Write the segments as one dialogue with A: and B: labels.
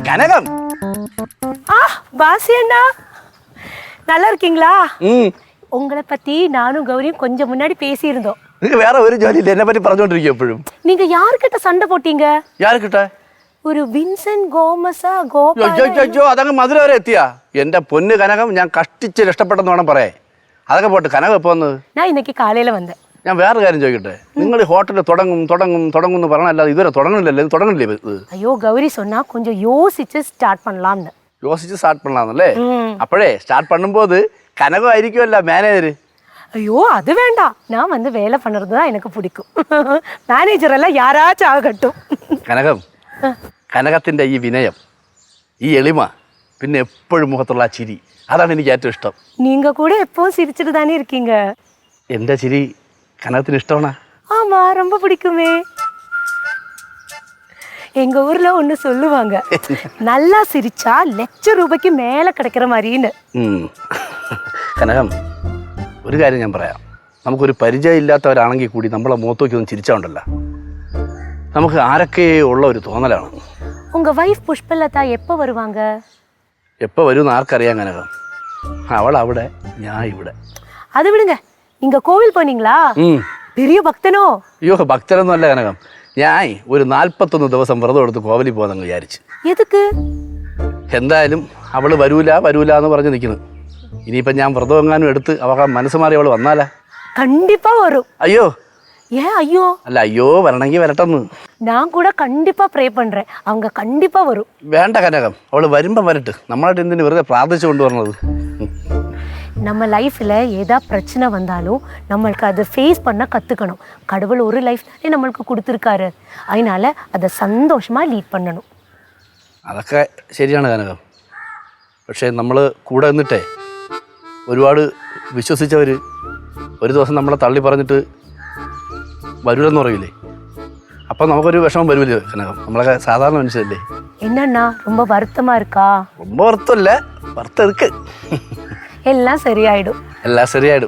A: கனகம்.
B: பாசி அண்ணா நல்லா இருக்கீங்களா? உங்களை பத்தி நானும் கௌரியும் கொஞ்சம் முன்னாடி பேசியிருந்தோம்.
A: நீங்க வேற ஒரு ஜோலி இல்ல, என்ன பத்தி പറഞ്ഞോണ്ടിരിക്കുക എപ്പോഴും.
B: நீங்க யார்கிட்ட சண்டை போட்டீங்க?
A: யார்கிட்ட?
B: ഒരു വിൻസെന്റ് ഗോമസാ ഗോപാല.
A: അയ്യോ അതങ്ങ് മധുര വരെ എത്തിയാ? എന്റെ പൊന്ന് കനകം, ഞാൻ കഷ്ടിച്ച് രക്ഷപ്പെട്ടെന്ന് വേണം പറയാൻ. അതൊക്കെ പോട്ട്. കനകം എപ്പോ വന്നത്?
B: ഞാൻ ഇന്നേക്ക് കാലയില വന്നത്.
A: ഞാൻ വേറെ കാര്യം ചോദിക്കട്ടെ, നിങ്ങൾ ഈ ഹോട്ടലിൽ തുടങ്ങും എന്ന് പറഞ്ഞല്ലാതെ ഇതുവരെ തുടങ്ങണില്ലല്ലോ. ഇത് തുടങ്ങണില്ലേ ഇത്?
B: അയ്യോ ഗൗരി சொன்னா கொஞ்சம் யோசிச்சு ஸ்டார்ட் பண்ணலாம்னு.
A: யோசிச்சு ஸ்டார்ட் பண்ணலாம்னല്ലേ? അപ്പോഴേ സ്റ്റാർട്ട് பண்ணும்போது கனகம் ആയിരിക്കുമല്ലോ മാനേജർ.
B: ஐயோ அது வேண்டாம், நான் வந்து வேலை பண்ணுறது தான் எனக்கு பிடிக்கும். മാനേജർ എല്ലാം யாராச்சும் ஆகட்டும்.
A: കനകം, കനകത്തിന്റെ ഈ വിനയം, ഈ എളിമ, പിന്നെ എപ്പോഴും മുഖത്തുള്ള ആ ചിരി, അതാണ് എനിക്ക് ഏറ്റവും ഇഷ്ടം.
B: நீங்க கூட எப்பவும் சிரிச்சிட்டு தானே இருக்கீங்க.
A: എന്റെ ചിരി കനകത്തിന് ഇഷ്ടമാണോ?
B: ஆமா, ரொம்ப பிடிக்குமே. எங்க ஊர்ல ஒண்ணு சொல்லுவாங்க, நல்லா சிரிச்சா ₹1,00,000 மேல கிடைக்கிற மாதிரின்னு.
A: കനകം, ഒരു കാര്യം ഞാൻ പറയാം. നമുക്കൊരു പരിചയം ഇല്ലാത്തവരാണെങ്കിൽ കൂടി നമ്മളെ മുഖത്തോക്കി ഒന്ന് ചിരിച്ചാണ്ടല്ലോ, നമുക്ക് ആരൊക്കെ ഉള്ള ഒരു തോന്നലാണ്.
B: உங்க வைஃப் புஷ்பலதா எப்போ வருவாங்க?
A: എപ്പോൾ വരുമെന്ന് ആർക്കറിയാം കനകം. അവൾ അവിടെ, ഞാൻ ഇവിടെ.
B: അത് വിടുங்க, நீங்க கோவில் போனீங்களா? பெரிய பக்தனோ?
A: അയ്യോ ഭക്തരൊന്നും അല്ല കനകം, ഞാൻ ഒരു 41 ദിവസം വ്രതം എടുത്ത് കോവിലിൽ പോകാമെന്ന് വിചാരിച്ചു.
B: എതുക്ക്?
A: എന്തായാലും അവള് വരൂല എന്ന് പറഞ്ഞ് നിൽക്കുന്നു. ഇനിയിപ്പം ഞാൻ വ്രതം എങ്ങാനും എടുത്ത് അവ മനസ്സ് മാറി അവള് വന്നാലാ?
B: കണ്ടിപ്പാ വരും.
A: അയ്യോ
B: ஏன் ஐயோ?
A: അല്ല, അയ്യോ വരണമെങ്കിൽ വരട്ടെന്ന്.
B: நான் கூட கண்டிப்பா ப்ரே பண்றேன், அவங்க கண்டிப்பா வரும்.
A: വേണ്ട കനകം, അവള് വരുമ്പം വരട്ടെ. നമ്മളായിട്ട് എന്തിനു വെറുതെ പ്രാർത്ഥിച്ചു കൊണ്ടുവരണത്?
B: நம்ம லைஃப்ல ஏதா பிரச்சனை வந்தாலும் நம்மளுக்கு அதை ஃபேஸ் பண்ண கற்றுக்கணும். கடவுள் ஒரு லைஃப் தானே நம்மளுக்கு கொடுத்துருக்காரு, அதனால அதை சந்தோஷமா லீட் பண்ணணும்.
A: അതൊക്കെ ശരിയാണ് കനകം. പക്ഷേ നമ്മൾ കൂടെ നിന്നിട്ടേ ഒരുപാട് വിശ്വസിച്ചവർ ഒരു ദിവസം നമ്മളെ തള്ളി പറഞ്ഞിട്ട് വരൂലെന്ന് പറയില്ലേ? അപ്പം നമുക്കൊരു വിഷമം വരുമല്ലോ കനകം. നമ്മളൊക്കെ സാധാരണ മനുഷ്യരല്ലേ.
B: என்னன்னா ரொம்ப வருத்தமா இருக்கா?
A: ரொம்ப வருத்தம் இல்லை, வருத்தம் இருக்கு.
B: എല്ലാം ശരിയായിടും.
A: എല്ലാം ശരിയായിടും.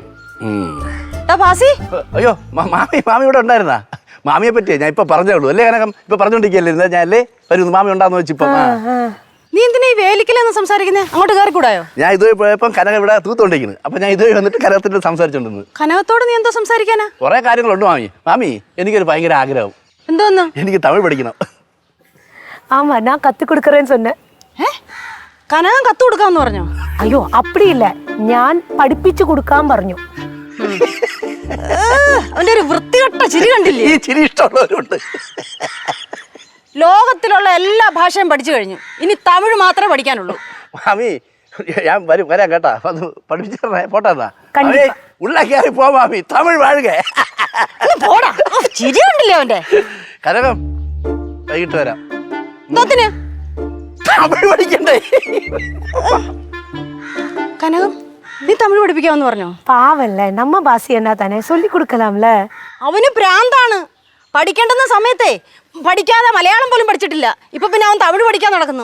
A: അയ്യോ മാമി ഇവിടെ ഉണ്ടായിരുന്നാ? മാമിയെ പറ്റിയേ ഞാൻ ഇപ്പൊ പറഞ്ഞേ ഉള്ളൂ അല്ലേ കനകം? ഇപ്പൊ പറഞ്ഞോണ്ടിരിക്കല്ലേ ഞാൻ അല്ലേ വരുന്നു മാമി ഉണ്ടാന്ന് വെച്ചിപ്പോ.
C: നീ എന്തിനാ ഈ വേലിക്കലെന്ന് സംസാരിക്കുന്നേ? അങ്ങോട്ട് കയറി കൂടായോ?
A: ഞാൻ ഇതുവഴി പോയപ്പോ കനകം ഇവിടെ തൂത്തോണ്ടിരിക്കുന്നു. അപ്പൊ ഞാൻ ഇതുവഴി വന്നിട്ട് കനകത്തിന്റെ സംസാരിച്ചോണ്ടിരുന്നു.
C: കനകത്തോട് നീ എന്തോ സംസാരിക്കാനാ?
A: കുറെ കാര്യങ്ങളുണ്ട് മാമി. എനിക്കൊരു ഭയങ്കര ആഗ്രഹം.
C: എന്തോന്ന്?
A: എനിക്ക് തമിഴ് പഠിക്കണം.
B: ஆமா, நான் கத்து கொடுக்கறேன்னு சொன்னேன்.
C: കനകം കത്ത് കൊടുക്കാന്ന് പറഞ്ഞോ?
B: അയ്യോ അപ്പടി ഇല്ല, ഞാൻ പഠിപ്പിച്ചു കൊടുക്കാൻ പറഞ്ഞു.
C: അവന്റെ ഒരു വൃത്തികെട്ട ചിരി കണ്ടില്ലേ?
A: ഈ ചിരി ഇഷ്ടമുള്ളവരുണ്ട്.
C: ലോകത്തിലുള്ള എല്ലാ ഭാഷയും പഠിച്ചു കഴിഞ്ഞു, ഇനി തമിഴ് മാത്രമേ പഠിക്കാനുള്ളൂ.
A: മാമി ഞാൻ വരാം കേട്ടാ, അത് പഠിപ്പിച്ചേ പോട്ടാ. ഉള്ളാക്കി പോ മാമി, തമിഴ് വാഴുക.
C: പോടാ, ചിരി കണ്ടില്ലേ അവന്റെ?
A: കനകം വൈകിട്ട് വരാം.
C: എന്തോത്തിന്?
A: തമിഴ് പഠിക്കണ്ടേ?
C: കനകം നീ തമിഴ് പഠിപ്പിക്കാമെന്ന് പറഞ്ഞോ?
B: പാവല്ലേ, നമ്മ ഭാഷ എന്നാ തന്നെ ചൊല്ലി കൊടുക്കലാമല്ലേ.
C: അവന് പ്രാന്താണ്. പഠിക്കേണ്ടുന്ന സമയത്തെ പഠിക്കാതെ മലയാളം പോലും പഠിച്ചിട്ടില്ല. ഇപ്പൊ പിന്നെ അവൻ തമിഴ് പഠിക്കാൻ നടക്കുന്നു.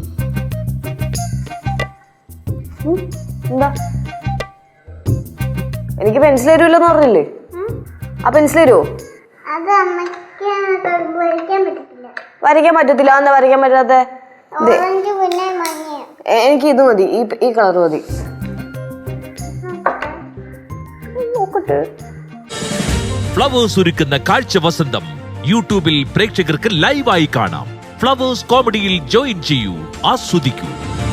D: എന്താ എനിക്ക് പെൻസിൽ തരൂലെന്ന് പറഞ്ഞില്ലേ? ആ പെൻസിൽ തരുമോ? വരയ്ക്കാൻ പറ്റത്തില്ല. എന്താ വരയ്ക്കാൻ പറ്റാത്ത? എനിക്ക് ഇത് മതി, ഈ കളർ മതി. നോക്കട്ടെ.
E: ഫ്ലവേഴ്സ് ഒരുക്കുന്ന കാഴ്ച വസന്തം യൂട്യൂബിൽ പ്രേക്ഷകർക്ക് ലൈവായി കാണാം. ഫ്ലവേഴ്സ് കോമഡിയിൽ ജോയിൻ ചെയ്യൂ, ആസ്വദിക്കൂ.